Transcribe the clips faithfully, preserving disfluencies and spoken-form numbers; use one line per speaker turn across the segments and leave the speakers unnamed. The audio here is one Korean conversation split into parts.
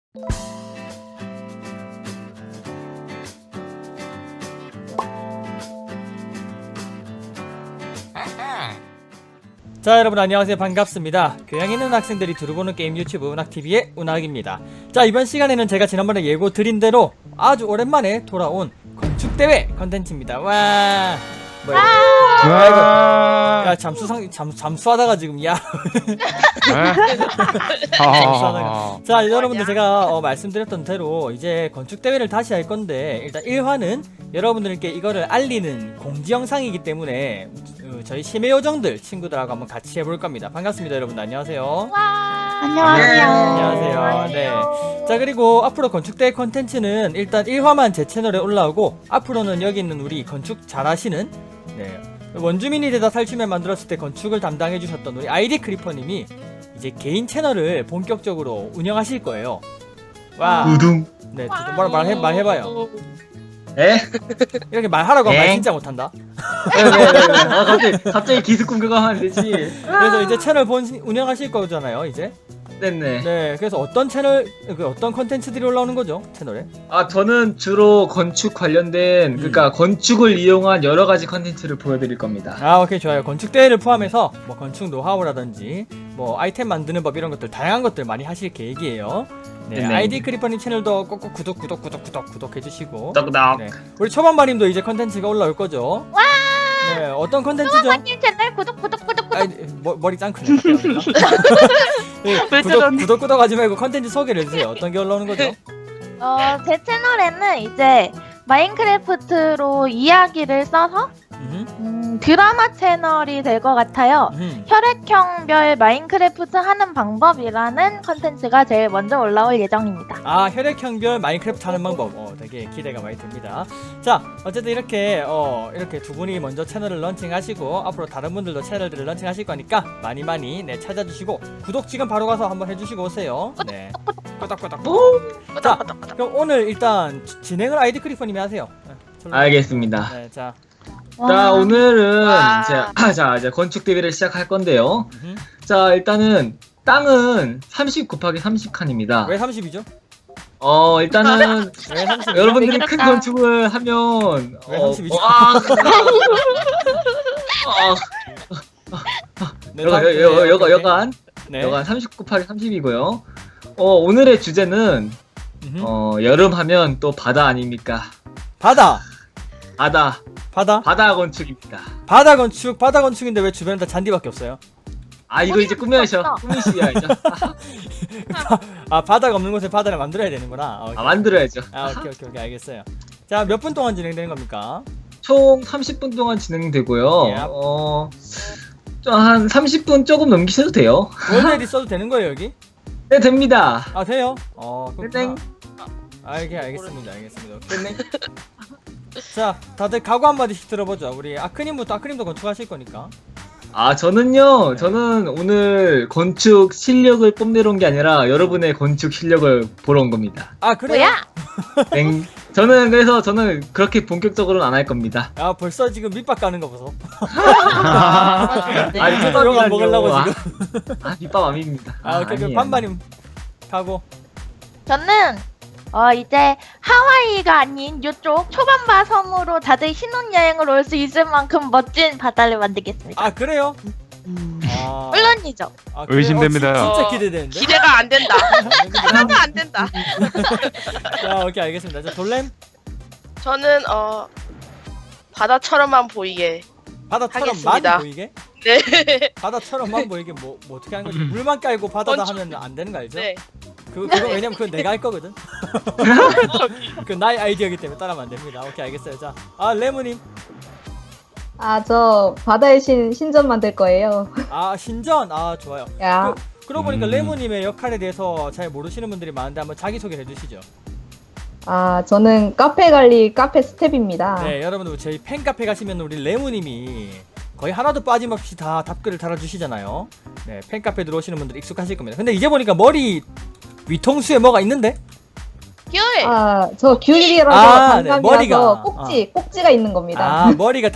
자, 여러분 안녕하세요. 반갑습니다. 교양 있는 학생들이 두루보는 게임 유튜브 운학티비의 운학입니다. 자, 이번 시간에는 제가 지난번에 예고 드린 대로 아주 오랜만에 돌아온 건축대회 컨텐츠입니다. 와, 뭐야 이거? 와, 야, 잠수상 잠 잠수하다가 지금 야. 잠수하다가. 자, 여러분들 제가 어, 말씀드렸던 대로 이제 건축대회를 다시 할 건데, 일단 일 화는 여러분들께 이거를 알리는 공지 영상이기 때문에 어, 저희 심해 요정들 친구들하고 한번 같이 해볼 겁니다. 반갑습니다, 여러분. 안녕하세요.
안녕하세요.
안녕하세요. 네. 자, 그리고 앞으로 건축대회 컨텐츠는 일단 일 화만 제 채널에 올라오고, 앞으로는 여기 있는 우리 건축 잘하시는, 네, 원주민이 되다 살춤에 만들었을 때 건축을 담당해 주셨던 우리 아이디 크리퍼님이 이제 개인 채널을 본격적으로 운영하실 거예요. 와.
우둥.
네, 두둥 뭐라 말해 말해봐요.
에?
이렇게 말하라고 하면 말
엥?
진짜 못한다.
네네네. 아, 갑자기 갑자기 기습 공격을 하면 되지.
그래서 이제 채널 본 운영하실 거잖아요, 이제.
네네.
네, 그래서 어떤 채널, 그 어떤 컨텐츠들이 올라오는 거죠, 채널에?
아, 저는 주로 건축 관련된, 그러니까 건축을 이용한 여러 가지 컨텐츠를 보여드릴 겁니다.
아, 오케이, 좋아요. 건축 대회를 포함해서 뭐 건축 노하우라든지 뭐 아이템 만드는 법 이런 것들 다양한 것들 많이 하실 계획이에요. 네,
네네.
아이디 크리퍼님 채널도 꼭꼭 구독 구독 구독 구독 구독 해주시고.
떡떡.
네, 우리 초반마님도 이제 컨텐츠가 올라올 거죠.
와!
네, 어떤 컨텐츠죠?
초반마님 채널 구독 구독 구독 구독.
아, 머, 머리 짱크네. 네,
왜
구독
저러니?
구독 구독 하지 말고 컨텐츠 소개를 해주세요. 어떤 게 올라오는 거죠?
어, 제 채널에는 이제 마인크래프트로 이야기를 써서
음흠,
음, 드라마 채널이 될 것 같아요.
음흠.
혈액형별 마인크래프트 하는 방법이라는 컨텐츠가 제일 먼저 올라올 예정입니다.
아, 혈액형별 마인크래프트 하는 방법. 어, 되게 기대가 많이 됩니다. 자, 어쨌든 이렇게 어 이렇게 두 분이 먼저 채널을 런칭하시고, 앞으로 다른 분들도 채널들을 런칭하실 거니까 많이 많이 네 찾아주시고, 구독 지금 바로 가서 한번 해주시고 오세요. 네. 꾸덕꾸덕. 자, 그럼 오늘 일단 지- 진행을 아이디 크리퍼님이 하세요. 네, 저로-
알겠습니다.
네, 자.
자, 오늘은
와.
이제, 아, 자, 이제 건축 대회를 시작할 건데요.
음흠.
자, 일단은 땅은 삼십 곱하기 삼십 칸입니다.
왜 삼십이죠?
어, 일단은
왜 삼십?
여러분들이 큰
그렇다.
건축을 하면
왜
어,
삼십이죠?
어, 아, 아,
네,
여간,
다음-
여,
네,
여,
오케이,
여, 여간,
네.
여간 삼십 곱하기 삼십이고요. 어, 오늘의 주제는
음흠.
어, 여름 하면 또 바다 아닙니까?
바다.
바다,
바다.
바다 건축입니다.
바다 건축. 바다 건축인데 왜 주변에 다 잔디밖에 없어요?
아, 이거 이제 꾸며야죠.
없어.
꾸미셔야죠.
아, 바다가 없는 곳에 바다를 만들어야 되는구나. 아, 오케이.
아, 만들어야죠.
아, 오케이, 오케이, 오케이, 알겠어요. 자, 몇 분 동안 진행되는 겁니까?
총 삼십 분 동안 진행되고요.
예.
어, 좀 한 삼십 분 조금 넘기셔도 돼요.
월요일이 써도 되는 거예요, 여기?
네, 됩니다.
아, 돼요? 어, 그렇구나.
땡.
아, 알게, 알겠습니다, 알겠습니다. 오케이. 자, 다들 각오 한마디씩 들어보죠. 우리 아크님부터, 아크님도 건축하실 거니까.
아, 저는요,
네.
저는 오늘 건축 실력을 뽐내러 온 게 아니라 여러분의 건축 실력을 보러 온 겁니다.
아, 그래요?
뭐야?
땡. 저는 그래서 저는 그렇게 본격적으로는 안 할 겁니다.
아, 벌써 지금 밑밥 가는 거 보소.
네.
아니,
이거 들어가 먹으려고
아,
지금.
아, 밑밥 아닙니다.
아, 오케이, 오케이.
아니에요.
반반님 가고.
저는 어 이제 하와이가 아닌 이쪽 초반바 섬으로 다들 신혼여행을 올 수 있을 만큼 멋진 바다를 만들겠습니다.
아, 그래요? 아,
물론이죠.
아, 그래요?
의심됩니다.
어, 진- 진짜
어,
기대되는데?
기대가 안 된다. 하나가 안 된다.
자, 오케이, 알겠습니다. 자, 돌렘?
저는 어 바다처럼만 보이게.
바다처럼만
하겠습니다.
보이게?
네.
바다처럼만 보이게 뭐, 뭐 어떻게 하는 거지? 물만 깔고 바다다
건축-
하면 안 되는 거 알죠?
네.
그거, 그거 왜냐면 그건 내가 할 거거든? 그 나의 아이디어이기 때문에 따라하면 안 됩니다. 오케이, 알겠어요. 자, 아, 레모님.
아, 저 바다의 신 신전 만들 거예요.
아, 신전. 아, 좋아요.
야,
그, 그러고 보니까
음.
레모님의 역할에 대해서 잘 모르시는 분들이 많은데 한번 자기소개를 해주시죠.
아, 저는 카페 관리 카페 스텝입니다.
네, 여러분들 저희 팬카페 가시면 우리 레모님이 거의 하나도 빠짐없이 다 답글을 달아주시잖아요. 네, 팬카페 들어오시는 분들 익숙하실 겁니다. 근데 이제 보니까 머리 위통수에 뭐가 있는데?
귤.
아, 저 귤이라서
아, 네,
단감이라서
머리가.
꼭지, 꼭지가 있는 겁니다.
아, 머리가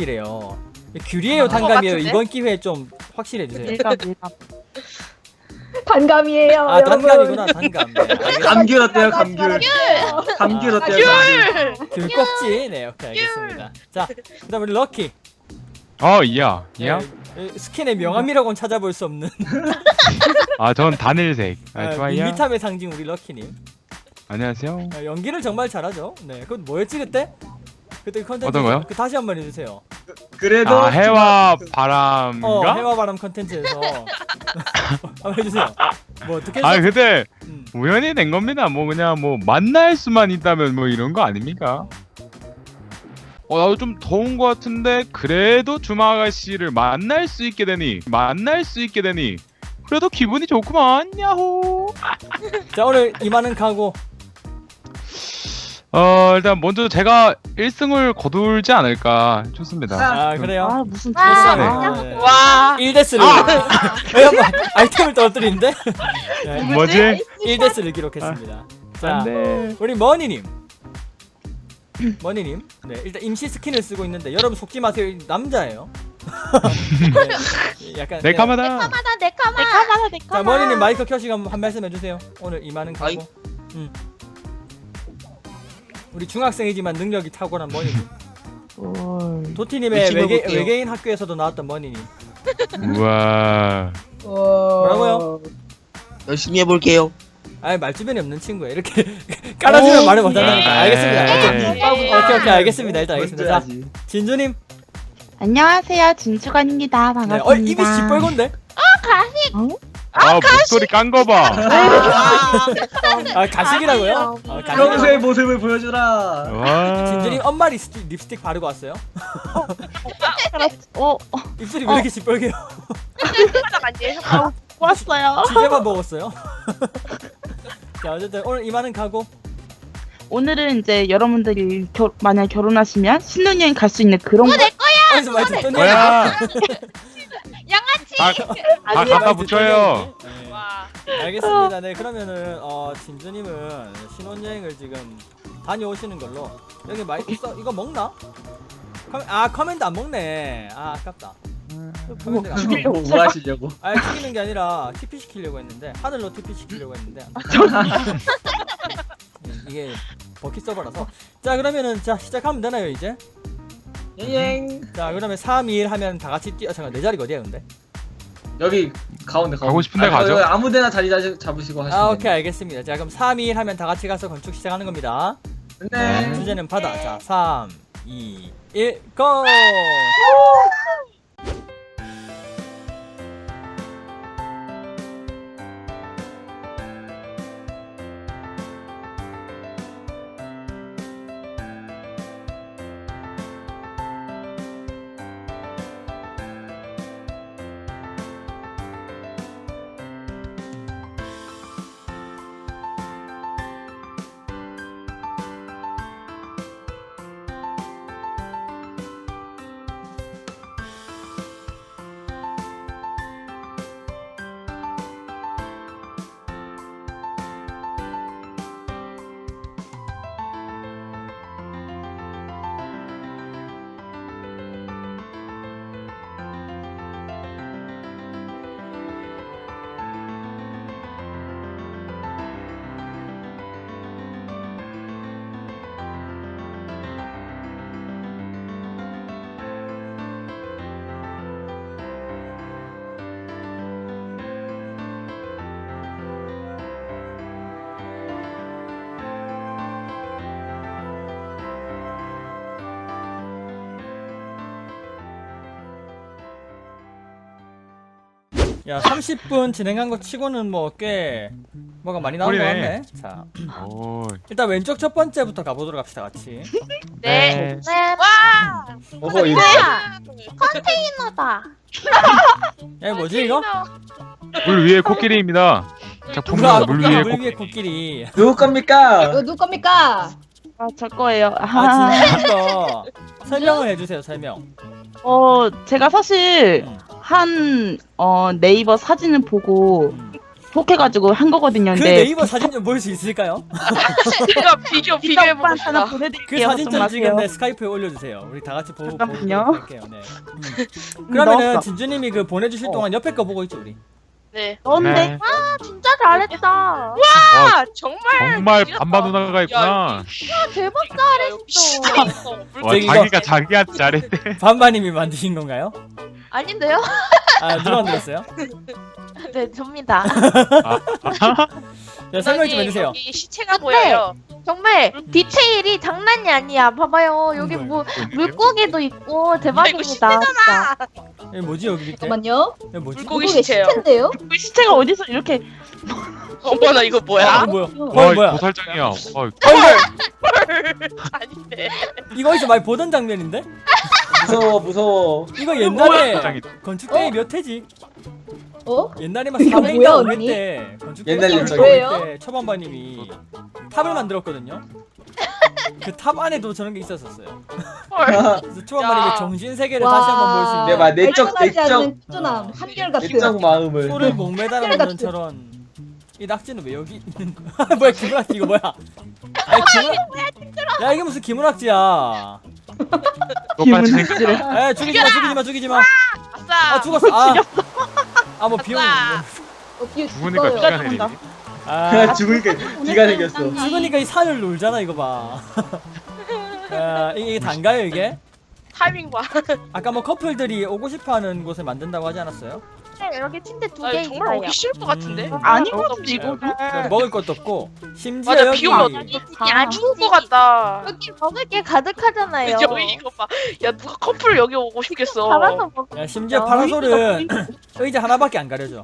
단감이래요. 귤이에요, 단감이에요?
같은데?
이번 기회에 좀 확실해주세요.
밀감 밀감.
단감이에요.
아
여러분.
단감이구나 단감. 네, 알겠습니다.
감귤 어때요? 감귤. 감귤
아,
어때요? 감귤.
귤!
귤꼭지. 네 오케이 알겠습니다. 자 그다음 우리 럭키.
어, 이야.
네,
이야?
이 스킨의 명암이라고는 찾아볼 수 없는
아, 전 단일색. 아,
아,
좋아요.
밋밋함의 상징 우리 럭키님.
안녕하세요.
아, 연기를 정말 잘하죠. 네, 그건 뭐였지 그때? 그때 그 컨텐츠
어떤 거요?
그 다시 한번 해주세요.
그래도
아, 해와
어,
바람인가?
해와 바람 컨텐츠에서 한번 해주세요. 뭐 어떻게?
아,
해서-
근데
음.
우연히 된 겁니다. 뭐 그냥 뭐 만날 수만 있다면 뭐 이런 거 아닙니까? 어, 나도 좀 더운 거 같은데 그래도 주마 아가씨를 만날 수 있게 되니 만날 수 있게 되니 그래도 기분이 좋구만. 야호.
자 오늘 이만은 가고.
어, 일단 먼저 제가 일 승을 거둘지 않을까 좋습니다.
아 그래요?
아,
무슨
아,
네. 네.
와.
일 대스를 왜 한번 아이템을 떨어뜨리는데? 네,
뭐지?
일 대스를 기록했습니다. 자
안돼.
우리 머니님. 머니님. 네 일단 임시 스킨을 쓰고 있는데 여러분 속지 마세요. 이 남자예요. 네, 약간 네.
네카마다.
내카마다 내카마.
내카마다
자
내카마.
머니님 마이크 켜시고 한, 한 말씀 해주세요. 오늘 이만은 가고. 음. 우리 중학생이지만 능력이 탁월한 머니님. 도티님의
열심히
외계,
해볼게요.
외계인 학교에서도 나왔던 머니님.
우와.
뭐라고요?
열심히 해볼게요.
아예 말주변이 없는 친구야. 이렇게 깔아주면 말을 못한다니까.
네.
알겠습니다. 오케이.
네.
오케이 오케이 알겠습니다. 일단 알겠습니다. 자
먼저 해야지.
진주님.
안녕하세요, 진주관입니다.
네.
반갑습니다.
어 입이 시뻘건데?
아, 목소리 깐 거 봐.
아 가식이라고요? 아,
평소의
가식이라고.
모습을 보여주라.
와.
진주님 엄마 립스틱, 립스틱 바르고 왔어요?
어,
입술이 왜 이렇게 시뻘개요?
아니에요?
왔어요.
지제만 먹었어요? 자 어쨌든 오늘 이만은 가고.
오늘은 이제 여러분들이 겨, 만약 결혼하시면 신혼여행 갈 수 있는 그런 거.
어디서 많이 듣던 얘기.
뭐야?
양아치.
다, 다 갖다 붙여요.
네.
와.
알겠습니다. 네 그러면은 어 진주님은 신혼여행을 지금 다녀오시는 걸로. 여기 마이크 써 이거 먹나? 커, 아 커맨드 안 먹네. 아 아깝다. 커맨드가 안 먹네.
뭐, 뭐 하시려고?
아 튀기는 게 아니라 티피 시키려고 했는데 하늘로 티피 시키려고 했는데 네, 이게 버킷 서버라서. 자 그러면은 자 시작하면 되나요 이제?
잉.
자 그러면 삼, 이, 일 하면 다 같이 뛰어. 잠깐 내 자리가 어디야 근데?
여기 가운데 가운데.
가고 싶은데
아,
가죠.
여기 아무데나 자리 잡- 잡으시고 하시면
아
돼요.
오케이 알겠습니다. 자 그럼 삼, 이, 일 하면 다 같이 가서 건축 시작하는 겁니다.
네.
주제는 바다. 자 삼, 이, 일 고! 야 삼십 분 진행한 거 치고는 뭐 꽤 뭐가 많이 나온 거
꿀이네.
같네. 자
오.
일단 왼쪽 첫 번째부터 가보도록 합시다 같이.
네.
네.
와.
어허 이거.
컨테이너다.
야 뭐지 이거?
물 위에 코끼리입니다.
누가
작품입니다. 물
누가
위에
물 위에
코끼리.
코끼리.
누구 겁니까?
이거 누구 겁니까?
아, 저 거예요.
아
아,
진짜 거 설명을 해주세요 설명.
어, 제가 사실
음.
한 어, 네이버 사진을 보고
음.
혹해가지고 한 거거든요.
그
근데
네이버 사진 좀 볼 수 있을까요?
제가 비교 비교해
비교해보고
봅시다.
하나
그
보내드릴게요.
사진 좀
걱정
지금
마세요.
내 스카이프에 올려주세요. 우리 다 같이 보고
잠깐만요.
보도록 할게요. 네. 음. 그러면은
넣었어.
진주님이 그 보내주실 동안 옆에 거 보고 있죠 우리.
네.
넌데
네.
아, 진짜 잘했다.
와,
아 정말.
정말
미쳤다.
반반 누나가 있구나.
야,
대박
역시
잘했어.
잘했어.
와,
저기 이거-
자기가 자기한테 잘했대.
반반님이 만드신 건가요?
아닌데요?
아 누가 만들었어요?
네, 접니다.
자, 설명 좀 해주세요.
여기 시체가
근데-
보여요.
정말 디테일이 장난이 아니야. 봐봐요. 여기
음,
뭐 물고기도 있고 대박입니다. 진짜.
여기 뭐지 여기 밑에?
잠깐만요.
여기 뭐지?
물고기
물고기
시체요.
시체인데요?
그 시체가 어디서 이렇게
어머나 이거
아
뭐야?
뭐야?
와,
어 뭐야?
도살장이야. 어,
아닌데.
이거 어디서 많이 보던 장면인데?
무서워 무서워.
이거 옛날에
도살장이.
건축대회 몇 회지?
어?
옛날에 막
이거
사백
뭐야,
년
언니?
때 건축대회
옛날
때
일정이에요?
초반반님이 탑을 만들었거든요. 그 탑 안에도 저런 게 있었었어요.
헐.
그래서 초반반님의
야.
정신 세계를 다시 한번 볼 수 있는.
네, 막 내적
발전하지
내적
않는 꾸준함, 한결같은.
내적 마음을.
소를 목매달아 놓는 저런. 이 낙지는 왜 여기 있는 거야? 뭐야 기문학지 이거 뭐야? 아니 기문. 야 이게 무슨 기문학지야?
똑같이 생겼다.
에 죽이지 마 죽이지 마 죽이지 마.
아싸.
아 죽었어. 아. 아뭐 비용.
아싸.
어, 뒤에
죽으니까
죽어요.
비가 내리니.
아
죽으니까 비가 생겼어.
죽으니까 이 산을 놀잖아 이거 봐. 아 이게, 이게 단가요 이게?
타이밍 봐.
아까 뭐 커플들이 오고 싶어하는 곳을 만든다고 하지 않았어요?
네, 여기 침대 두
아,
개
정말
있어요.
오기 싫을 것 같은데.
음.
아닌
어,
것 같은데 이거
그 먹을 것도 없고 심지어
맞아,
여기
비 오면
아,
죽을 것 같다.
여기 먹을 게 가득하잖아요.
여기 이거 봐. 야 누가 커플을 여기 오고 싶겠어.
잡아서 먹.
야 심지어 파라솔은 의자 하나밖에 안 가려져.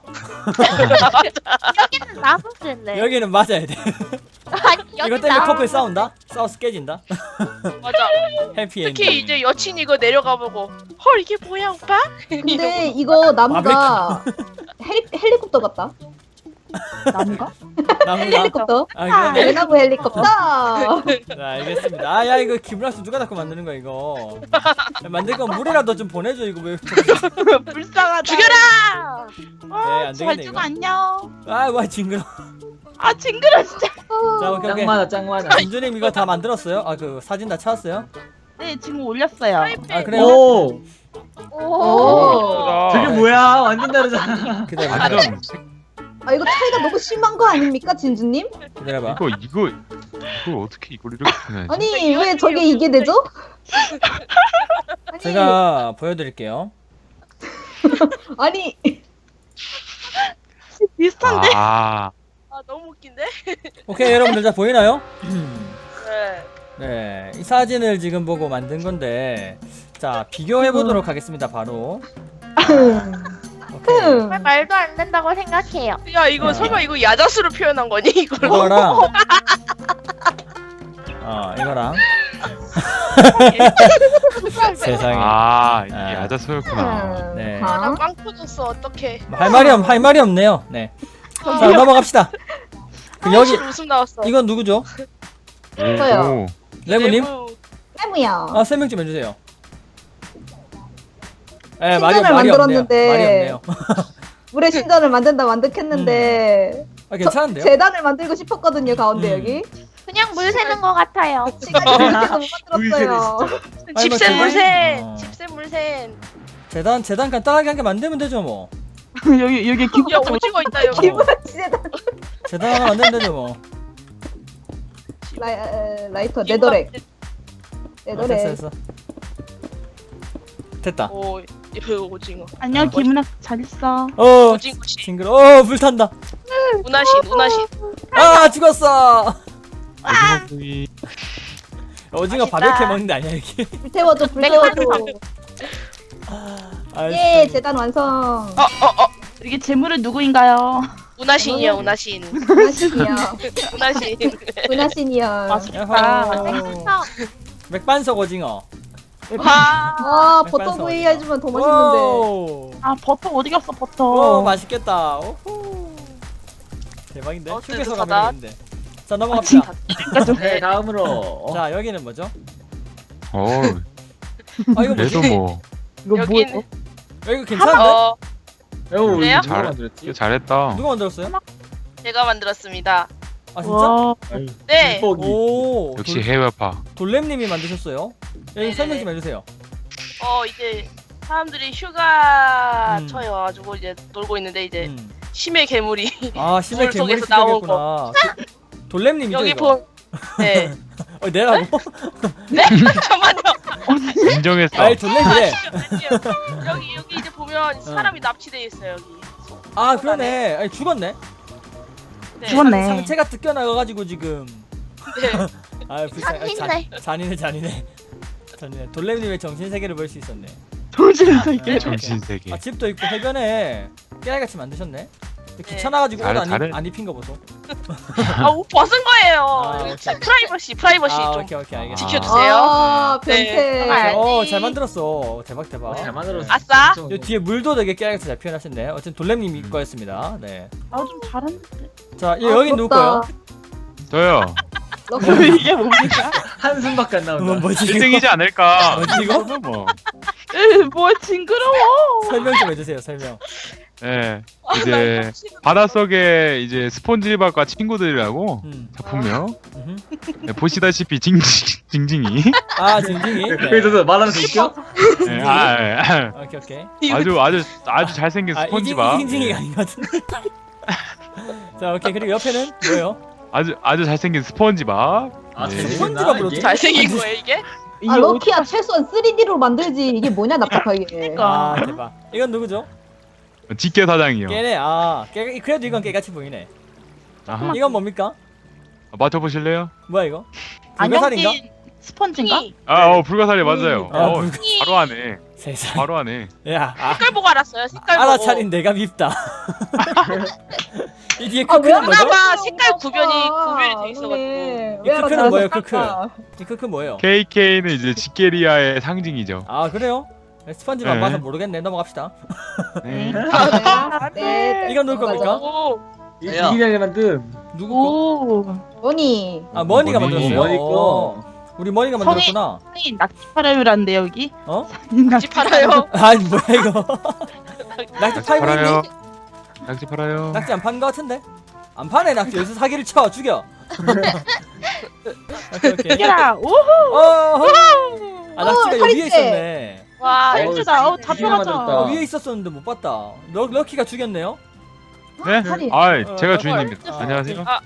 여기는 나무실래.
여기는 맞아야 돼.
아니 여기
이것 때문에
나무.
커플 싸운다? 싸워서 깨진다?
맞아.
해피엔딩.
특히 이제 여친 이거 내려가 보고 헐 이게 뭐야 오빠?
근데 이거 나무가 헬리, 헬리콥터 같다.
나무가?
나무가?
헬리콥터.
아 그래?
대나무 헬리콥터.
네, 알겠습니다. 아 야 이거 기브라스 누가 자꾸 만드는 거야 이거. 야, 만들 건 물이라도 좀 보내줘 이거 왜?
불쌍하다.
죽여라!
네,
아,
안
잘
되겠네,
죽어
이거.
안녕.
아와 징그러.
아 징그러 진짜.
자 오케이
짱
오케이.
많아 짱 많아.
진주님 이거 다 만들었어요? 아 그 사진 다 찾았어요?
네 지금 올렸어요.
아 그래요?
오
오.
오.
저게 뭐야 완전 다르잖아.
기다려봐.
완전
아 이거 차이가 너무 심한 거 아닙니까, 진주님?
기다려봐.
이거 이거 이걸 어떻게 이걸 이렇게 보내지?
아니 왜 저게 이게 되죠? 아니,
제가 보여드릴게요.
아니
비슷한데?
아,
아 너무 웃긴데?
오케이 여러분들 자 보이나요?
네.
네, 이 사진을 지금 보고 만든 건데 자 비교해 보도록 하겠습니다. 바로. 오케이.
정말 말도 안 된다고 생각해요.
야 이거 설마 이거 야자수로 표현한 거니 이걸?
이거랑 어 이거랑 세상에
아 이게
아.
야자소였구나.
네.
아,
나빵 터졌어 어떡해.
할 말이 없, 할 말이 없네요. 네. 자 넘어갑시다. 그 여기
여기 웃음 나왔어.
이건 누구죠?
저요.
레고님?
내부.
해무야.
아 설명 좀 해주세요. 에 말이
신전을
말이 없네요.
만들었는데.
말이 없네요.
물의 신전을 만든다 만듭했는데
아 괜찮은데요?
재단을 만들고 싶었거든요 가운데
음.
여기.
그냥 물 새는 것 같아요.
시간이 그렇게도 못 만들었어요.
아니,
집센
뭐
물센.
어.
집센 물센.
재단 재단 간단하게 한 개 만들면 되죠 뭐.
여기 여기 기분
야 오징어 있다 여기.
기분 재단.
재단 하나 만들면 되죠 뭐.
라이, 에, 라이터 네더렉.
아, 됐어
네더렉.
됐어. 됐다.
오 이거 오징어.
안녕 김은아 잘 있어.
어
오징어 씨.
징그러. 어 불탄다.
우나신 우나신.
아 죽었어.
오징어구이.
오징어
맛있다.
바베큐 먹는 데 아니야 이게?
불 태워줘 불 태워줘.
아,
예
진짜.
재단 완성.
어어 어.
이게 재물은 누구인가요?
우나신이야 우나신.
은하신이야.
우나신.
은하신이야.
맛있다.
야호. 맥반석 오징어.
와.
와
맥반석
버터 구이
오징어.
해주면 더 맛있는데.
오.
아 버터 어디 갔어 버터?
오 맛있겠다. 오호. 대박인데?
어,
휴게소
뜨뜻하다.
가면 되는데. 자 넘어갑시다.
네 다음으로.
자 여기는 뭐죠?
어,
아 이거 뭐지?
그래도 뭐
이거
여기는
뭐예요?
야, 이거 괜찮은데?
어
오
그래요?
이거 누가
잘
만들었지?
이거 잘했다.
누가 만들었어요?
제가 만들었습니다.
아 진짜?
와,
네.
기
오
역시
돌,
해외파.
돌렘님이 만드셨어요? 여기
네네네.
설명 좀 해주세요.
어 이제 사람들이 휴가
음.
처에 와가지고 이제 놀고 있는데 이제
음.
심해 괴물이
아 심해
물
괴물이
속에서 나온
시작했구나. 도- 돌렘님이죠
여기
이거?
보 네.
어 내라고?
네? 잠깐만요.
인정했어.
아이 돌렘이래.
아니요. 여기 여기 이제 보면 사람이 납치돼 있어요 여기.
아 그러네. 아니 죽었네.
네.
죽었네.
상체가 뜯겨나가가지고 지금.
네.
아 불쌍. 아,
잔인해.
잔- 잔인해 잔인해. 잔인해. 돌렘님의 정신 세계를 볼 수 있었네.
정신세계.
정신세계.
아 집도 있고 해변에 깨알같이 만드셨네.
네.
귀찮아가지고 옷
잘해,
안,
잘해.
입- 안 입힌 거 보소.
아, 옷 벗은 거예요.
아,
여기
오케이.
프라이버시, 프라이버시
아
좀
오케이 오케이 알겠어.
지켜주세요.
아,
네.
변태.
아,
어잘 만들었어. 대박 대박.
잘 만들었어.
아싸.
엄청.
요 뒤에 물도 되게 깨알같이 잘 표현하셨네. 어쨌든 돌렘님 이 거였습니다. 네.
아좀 잘했는데.
자 이-
아,
여기 누구 거요?
부럽다.
저요.
럭키.
이게 뭡니까?
한숨밖에 안
뭐,
나온다.
뭐지
일
이거?
등이지 않을까.
뭐지 이거?
뭐.
으, 뭐 징그러워.
설명 좀 해주세요. 설명.
예. 이제 바닷속에 이제 스폰지밥과 친구들이라고
음.
작품명.
음흠.
네, 보시다시피 징징 징징이.
아 징징이. 네.
그래서 말하면서 웃겨?
예, 아, 예, 아,
오케이 오케이.
아주 아주 아주 잘생긴
아 이징
스폰지밥.
이징징이가 아닌 것 같은데. 자 오케이 그리고 옆에는 뭐예요?
아주 아주 잘생긴 스폰지밥.
아,
예.
잘
스펀지밥으로
이게?
잘생긴 거예요 이게?
이게
아, 럭키야 최소한 쓰리디로 만들지. 이게 뭐냐 답답하게.
아 대박. 이건 누구죠?
직계 사장이요.
깨네. 아 깨. 그래도 이건 깨같이 보이네.
아하.
이건 뭡니까?
맞춰보실래요?
뭐야 이거? 불가사리인가?
안경낀 스펀지인가?
아, 어 불가사리 맞아요.
아,
어,
불가-
바로 하네.
세상.
바로 하네.
야 아,
색깔 보고 알았어요. 색깔 보고.
알아차린 내가 밉다. 이 뒤에
아, 왜
크크는 뭐죠?
그나마 색깔 구변이
아,
구별이 돼 있어가지고.
네.
이
왜
크크는
알았어?
뭐예요, 크크? 이 크크 뭐예요?
케이케이는 이제 직계리아의 상징이죠.
아 그래요? 스펀지밥
네.
봐서 모르겠네. 넘어갑시다.
네.
아, 네.
이건 누구 겁니까?
오.
이 이기장에 만든
누구 거?
오.
원이.
아 머니가
머니.
만들었어요.
머니 거.
어. 우리 머니가 만들었구나.
아니 낙지 팔아요란데 여기.
어?
낙지 팔아요.
아니 뭐야 이거? 낙지
낙지
팔고
팔아요.
있니?
낙지 팔아요.
낙지 안 파는 거 같은데? 안 파네 낙지. 여기서 사기를 쳐 죽여. 오케이 오케이.
이겨라. 오.
어. 아 낙지가
어,
여기 위에
칼집.
있었네.
와.
어,
살찌다. 어
이기장
잡혀가자.
어,
만들었다.
위에 있었었는데 못 봤다. 럭 럭키가 죽였네요.
네?
살이.
아,
어,
제가
어,
주인입니다.
어,
안녕하세요.
아.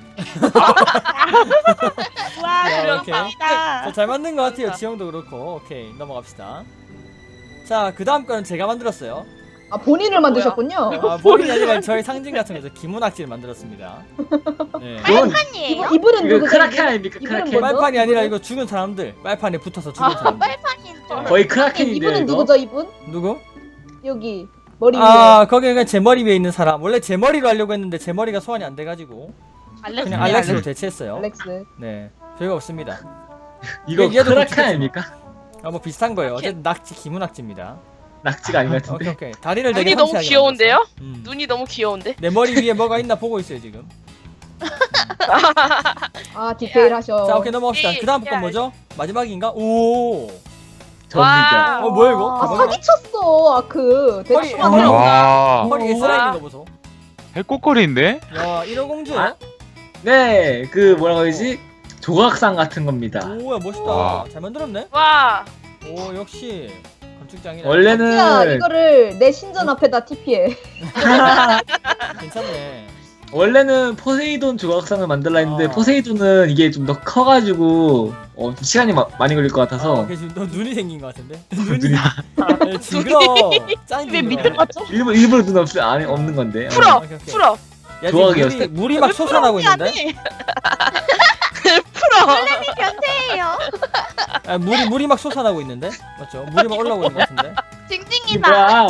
와
야,
그럼
오케이.
갑니다.
자, 잘 만든 것 같아요. 지형도 그렇고. 오케이 넘어갑시다. 자, 그 다음 거는 제가 만들었어요.
아, 본인을 만드셨군요.
아, 본인이 아니라 저희 상징 같은 거죠. 기문악지를 만들었습니다. 네.
그건
빨판이에요?
이분, 이분은
이거
누구죠?
크라켄
이분?
아닙니까?
이분은
크라켄.
뭐죠?
빨판이 아니라 이거 죽은 사람들. 빨판에 붙어서 죽은
아
사람들.
빨판인 줄.
거의 크라켄인데요,
이분은
이거?
누구죠, 이분?
누구?
여기 머리 위에.
아, 거기 그냥 제 머리 위에 있는 사람. 원래 제 머리로 하려고 했는데 제 머리가 소환이 안 돼가지고
알렉스.
그냥 알렉스로 대체했어요.
알렉스.
네, 별거 없습니다.
이거
얘도
크라켄
그렇게
아닙니까?
아, 뭐 비슷한 거예요. 어쨌든 낙지 기문악지입니다.
낙지가 아닌 것
오케이
같은데.
오케이. 다리를 되게
눈이 너무
상세하게
귀여운데요?
만들었어. 음.
눈이 너무 귀여운데?
내 머리 위에 뭐가 있나 보고 있어요 지금.
아, 디테일 하셔.
자 오케이 넘어갑시다.
이-
그 다음
야,
건 뭐죠? 마지막인가? 오.
접니다.
어 뭐야 이거?
아, 사기쳤어, 아크.
허리-
대충
허리-
하더라고.
와,
허리에
어.
슬라이딩 거 보소.
해꼬꼬리인데?
야 일호공주요?
아? 네, 그 뭐라고 해야지? 조각상 같은 겁니다.
오야 멋있다.
와.
잘 만들었네.
와.
오 역시 건축장이네.
야,
원래는
이거를 내 신전 앞에다 티피해.
괜찮네.
원래는 포세이돈 조각상을 만들라 했는데
아.
포세이돈은 이게 좀 더 커가지고 어, 좀 시간이 마- 많이 걸릴 것
아,
같아서
오케이, 지금 너 눈이 생긴 것 같은데. 눈이
눈이
네, 징그러. 짱
왜
징그러.
밑에 봤죠?
일부러 일부러 눈 없, 안에 없는 건데. 어.
풀어.
오케이, 오케이.
풀어.
야 지금 물이,
조각이었어.
물이 막 솟아나고 있는데.
풀어.
변태예요.
아, 물이 물이 막 솟아나고 있는데. 맞죠? 물이 막 올라오고 있는 것 같은데.
징징이다.
뭐야?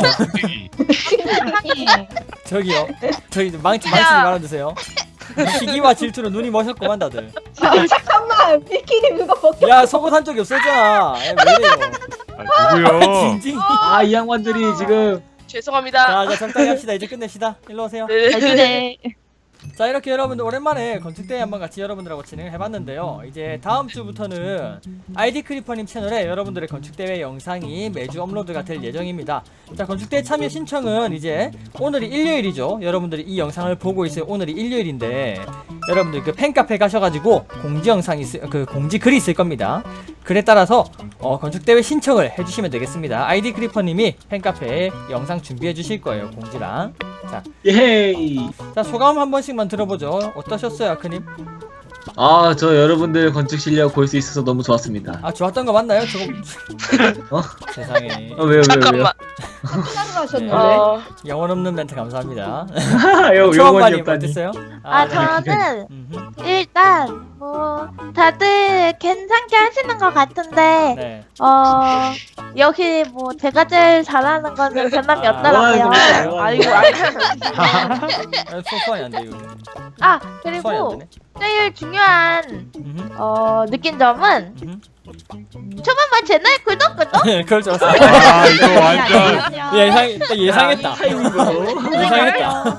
저기요. 저기 망치 망치 말아주세요. 시기와 질투로 눈이 멋있구만 다들.
아, 잠깐만, 비키니 누가 벗겨?
야 속옷 한 쪽이 없어졌잖아. 야, 왜 이래요?
아, 누구요?
징징.
아, 이 양반들이 지금
죄송합니다.
자, 자 적당히 합시다. 이제 끝냅시다. 일로 오세요.
네.
그래.
자 이렇게 여러분들 오랜만에 건축대회 한번 같이 여러분들하고 진행을 해봤는데요. 이제 다음 주부터는 아이디 크리퍼님 채널에 여러분들의 건축대회 영상이 매주 업로드가 될 예정입니다. 자 건축대회 참여 신청은 이제 오늘이 일요일이죠. 여러분들이 이 영상을 보고 있어요. 오늘이 일요일인데 여러분들 그 팬카페 가셔가지고 공지 영상이 있을, 그 공지 글이 있을 겁니다. 글에 따라서 어, 건축대회 신청을 해주시면 되겠습니다. 아이디 크리퍼님이 팬카페에 영상 준비해 주실 거예요. 공지랑.
예이.
자 소감 한 번씩만 들어보죠. 어떠셨어요, 아크님?
아, 저 여러분들 건축 실력 볼 수 있어서 너무 좋았습니다.
아 좋았던 거 맞나요? 저거
어?
세상에
어, 왜요, 왜요,
잠깐만.
시작을 하셨는데.
어,
영혼 없는 멘트 감사합니다.
왜요? 요,
초반님
요건이었다니.
어땠어요?
아,
네.
저는
음흠.
일단 뭐 다들 괜찮게 하시는 것 같은데
네.
어 여기 뭐 제가 제일 잘하는 거는 변함이
아,
없더라고요.
뭐 하는 거야?
아이고 아이고.
아, 소- 소환이 안 돼, 이거.
아
소환이 안
그리고
되네.
제일 중요한
음흠.
어 느낀 점은
음흠.
초반만 채널 구독 구독.
그럴 줄 알았어.
아 이거 완전
예상 딱 예상했다.
타이밍으로.
예상했다.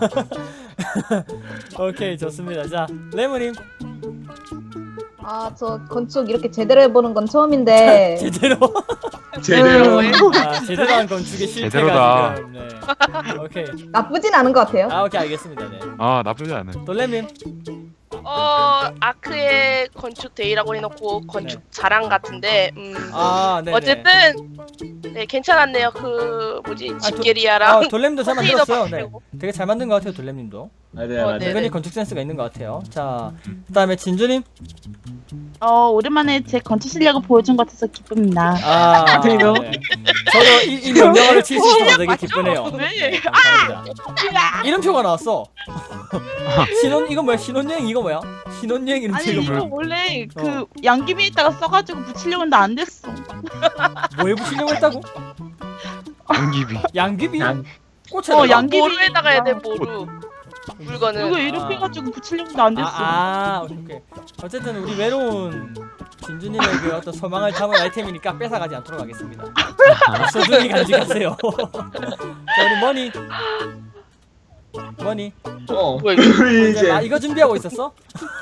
오케이 좋습니다. 자 레모님
아, 저 건축 이렇게 제대로 해보는 건 처음인데.
제대로
제대로.
아, 제대로 한 건축의 실패가
제대로다.
지금. 네. 오케이.
나쁘진 않은 것 같아요.
아 오케이 알겠습니다. 네.
아 나쁘지 않아.
돌렘님.
어, 아크의 건축 데이라고 해놓고 건축 자랑 같은데, 음,
아 네네.
어쨌든 네 괜찮았네요. 그 뭐지
아,
집게리아랑
아 돌렘도 잘
컨테이너
만들었어요. 네.
바꾸고.
되게 잘 만든 것 같아요, 돌렘님도.
맞아요,
어,
맞아요.
네.
은근히 건축 센스가 있는 것 같아요. 자, 그다음에 진주님.
어 오랜만에 제 건축 실력을 보여준 것 같아서 기쁩니다.
아,
컨테이너?
네. 저도 이, 이 명령어를 칠 수 있어서 되게 기쁘네요.
왜?
네, 감사합니다. 이름표가 나왔어. 신혼 이거 뭐야? 신혼여행 이거 뭐야? 신혼여행 이름표
아니
이거
이거
뭐야?
원래
어.
그 양귀비에다가 써가지고 붙이려고 했는데 안 됐어.
뭐에 붙이려고 했다고?
양귀비.
양귀비?
양-
꽃에
어, 양귀비.
모루에다가 해야 돼 모루. 물건은.
이거 이렇게 해가지고 붙이려고 했는데 안 됐어.
아, 아, 오케이, 오케이. 어쨌든 우리 외로운 진주님의 그 어떤 소망을 담은 아이템이니까 뺏어가지 않도록 하겠습니다. 소중히 간직하세요. 자, 우리 머니. 머니.
어.
뭐야, 이거?
우리
이제
이제
아, 이거 준비하고 있었어?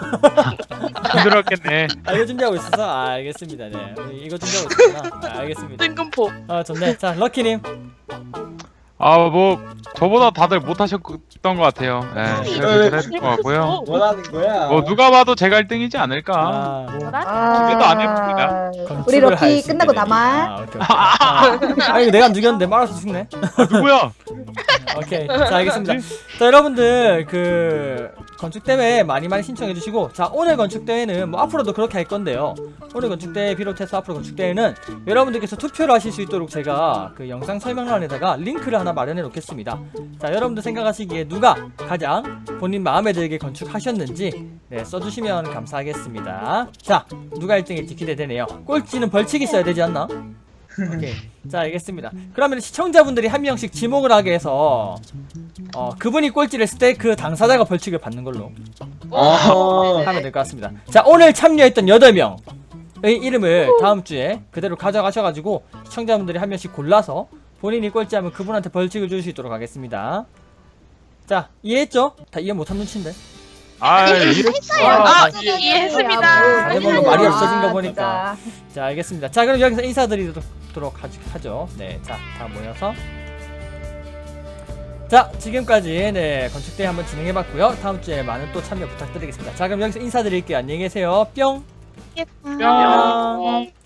힘들었겠네.
아, 이거 준비하고 있었어? 아, 알겠습니다. 네. 우리 이거 준비하고 있었구나. 아, 알겠습니다.
뜬금포.
아, 좋네. 자, 럭키님.
아 뭐 저보다 다들 못하셨던 것 같아요. 예, 그래도 잘했을 것 같고요.
뭐라는 거야?
뭐 누가 봐도 제가 일 등이지 않을까.
아,
아,
기대도 안 해봅니다.
우리
건축을 할
럭키
수
끝나고
있게
남아.
되니. 아, 오케이, 오케이. 아, 아, 이거 내가 안 죽였는데 말아서 죽네.
아, 누구야?
오케이. 자, 알겠습니다. 자, 여러분들 그 건축 대회 많이 많이 신청해 주시고, 자, 오늘 건축 대회는 뭐 앞으로도 그렇게 할 건데요. 오늘 건축 대회 비롯해서 앞으로 건축 대회는 여러분들께서 투표를 하실 수 있도록 제가 그 영상 설명란에다가 링크를 하나 마련해 놓겠습니다. 자, 여러분들 생각하시기에 누가 가장 본인 마음에 들게 건축하셨는지 네, 써주시면 감사하겠습니다. 자, 누가 일 등일지 기대되네요. 꼴찌는 벌칙이 있어야 되지 않나? 오케이. 자, 알겠습니다. 그러면 시청자분들이 한 명씩 지목을 하게 해서 어, 그분이 꼴찌를 했을 때 그 당사자가 벌칙을 받는 걸로
어.
하면 될 것 같습니다. 자, 오늘 참여했던 여덟 명의 이름을 다음 주에 그대로 가져가셔가지고 시청자분들이 한 명씩 골라서 본인이 꼴찌하면 그분한테 벌칙을 줄 수 있도록 하겠습니다. 자, 이해했죠? 다 이해 못한 눈치인데.
아 이렇게.
아,
자,
이해했습니다.
다들 뭔가 말이 없어진 거
아,
보니까.
진짜.
자, 알겠습니다. 자, 그럼 여기서 인사드리도록 하죠. 하죠. 네, 자, 다 모여서. 자, 지금까지 네 건축대회 한번 진행해봤고요. 다음 주에 많은 또 참여 부탁드리겠습니다. 자, 그럼 여기서 인사드릴게요. 안녕히 계세요. 뿅.
뿅.